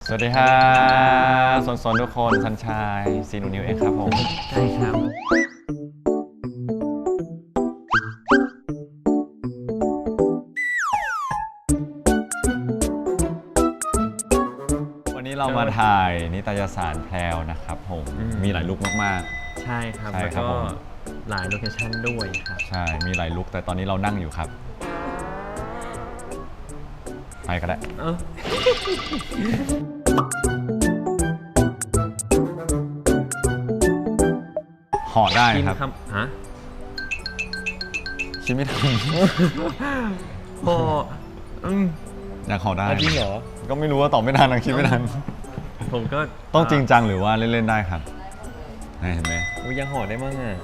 สวัสดีค่ะสนทุกคนสันชายซีนูนิวเองครับผมใช่ครับวันนี้เรามาถ่ายนิตยสารแพรวนะครับผมมีหลายลุคมากๆใช่ครับแล้วก็หลายโลเคชั่นด้วยครับใช่มีหลายลุคแต่ตอนนี้เรานั่งอยู่ครับไปก็ได้ห่อได้ครับฮะคิดไม่ทันห่ออยากห่อได้จริงเหรอก็ไม่รู้ว่าตอบไม่ทันคิดไม่ทันผมก็ต้องจริงจังหรือว่าเล่นๆได้ครับเห็นไหมยังห่อได้มั้งอ่ะ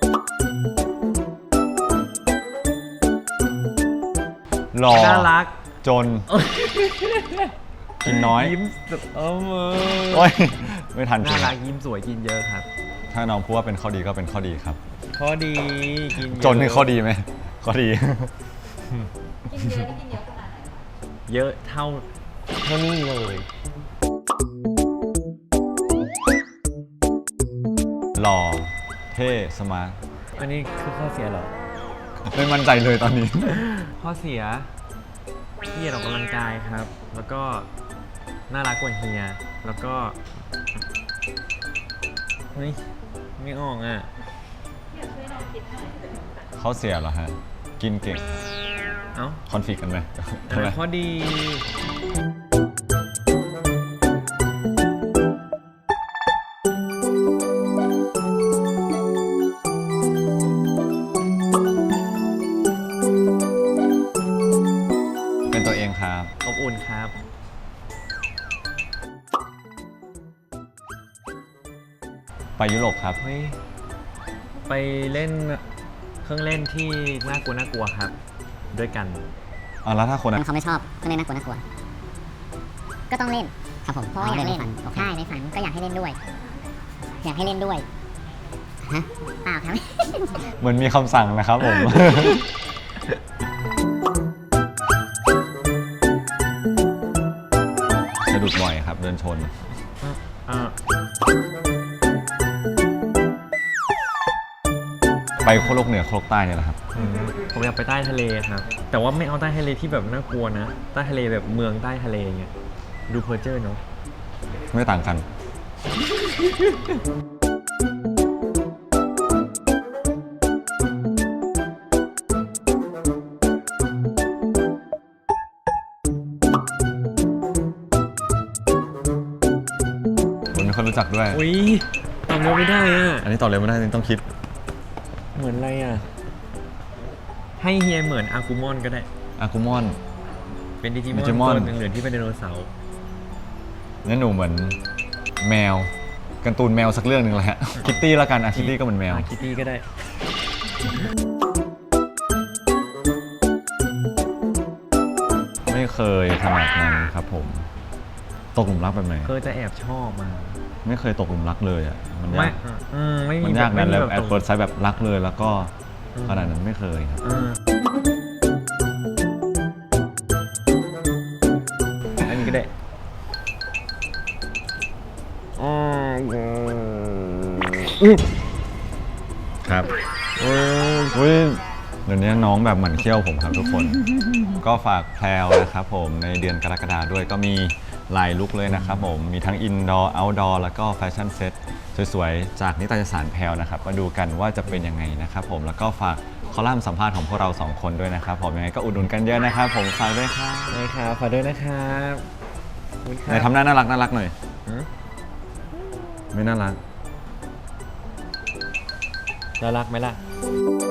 หล่อน่ารักจนกินน้อยยิ้มโอ้ยไม่ทันจริงน่ารักยิ้มสวยกินเยอะครับถ้าน้องพูดว่าเป็นข้อดีก็เป็นข้อดีครับข้อดีกินจนคือข้อดีไหมข้อดีกินเยอะนี่กินเยอะขนาดไหนเยอะเท่านี้เลยหล่อเท่สมาร์ทอันนี้คือข้อเสียเหรอไม่มั่นใจเลยตอนนี้ข้อเสียขี้เกียจออกกำลังกายครับ แล้วก็น่ารักกว่าเฮียแล้วก็ไม่ออกอ่ะเขาเสียเหรอฮะกินเก่งคอนฟ lict กันไหมข้อดีเป็นตัวเองครับอบอุ่นครับไปยุโรปครับไปเล่นเครื่องเล่นที่น่ากลัวครับด้วยกันแล้วถ้าคนเขาไม่ชอบเครื่องเล่นน่ากลัวก็ต้องเล่นครับผมเพราะอยากเล่นใช่ในฝันก็อยากให้เล่นด้วยฮะเปล่าครับเหมือนมีคำสั่งนะครับผมสะดุดบ่อยครับเดินชนไปโคโลกเหนือโคโลกใต้เนี่ยแหละครับผมอยากไปใต้ทะเลครับแต่ว่าไม่เอาใต้ทะเลที่แบบน่ากลัวนะใต้ทะเลแบบเมืองใต้ทะเลเงี้ยดูเพอร์เจอร์เนาะไม่ต่างกันมีคนรู้จักด้วยอุ้ยตอบเร็วไม่ได้อ่ะอันนี้ตอบเร็วไม่ได้ต้องคิดเหมือนอะไรอ่ะให้เฮียเหมือนอากูมอนก็ได้อากูมอนเป็นดิจิมอนตัวเหลืองๆที่เป็นไดโนเสาร์งั้นหนูเหมือนแมวการ์ตูนแมวสักเรื่องหนึ่งแหละคิตตี้ละกันคิตตี้ก็เหมือนแมวคิตตี้ก็ได้ไม่เคยขนาดนั้นครับผมตกหลุมรักแบบไหนเคยจะแอบชอบมาไม่เคยตกหลุมรักเลยอ่ะมันยากมันยากนั่นแล้วแอบเปิดไซส์แบบรักเลยแล้วก็ขนาดนั้นไม่เคยครับอันนี้ก็ได้ครับเดี๋ยวนี้น้องแบบหมั่นเขี้ยวผมครับทุกคนก็ฝากแพรวนะครับผมในเดือนกรกฎาคมด้วยก็มีหลายลุคเลยนะครับผมมีทั้งอินดอร์เอาท์ดอร์แล้วก็แฟชั่นเซ็ตสวยๆจากนิตยสารแพรวนะครับมาดูกันว่าจะเป็นยังไงนะครับผมแล้วก็ฝากคอลัมน์สัมภาษณ์ของพวกเรา2คนด้วยนะครับผมยังไงก็อุดหนุนกันเยอะนะครับผมฝากด้วยครับฝากด้วยนะครับไหนทำหน้าน่ารักหน่อยไม่น่ารักน่ารักไหมล่ะ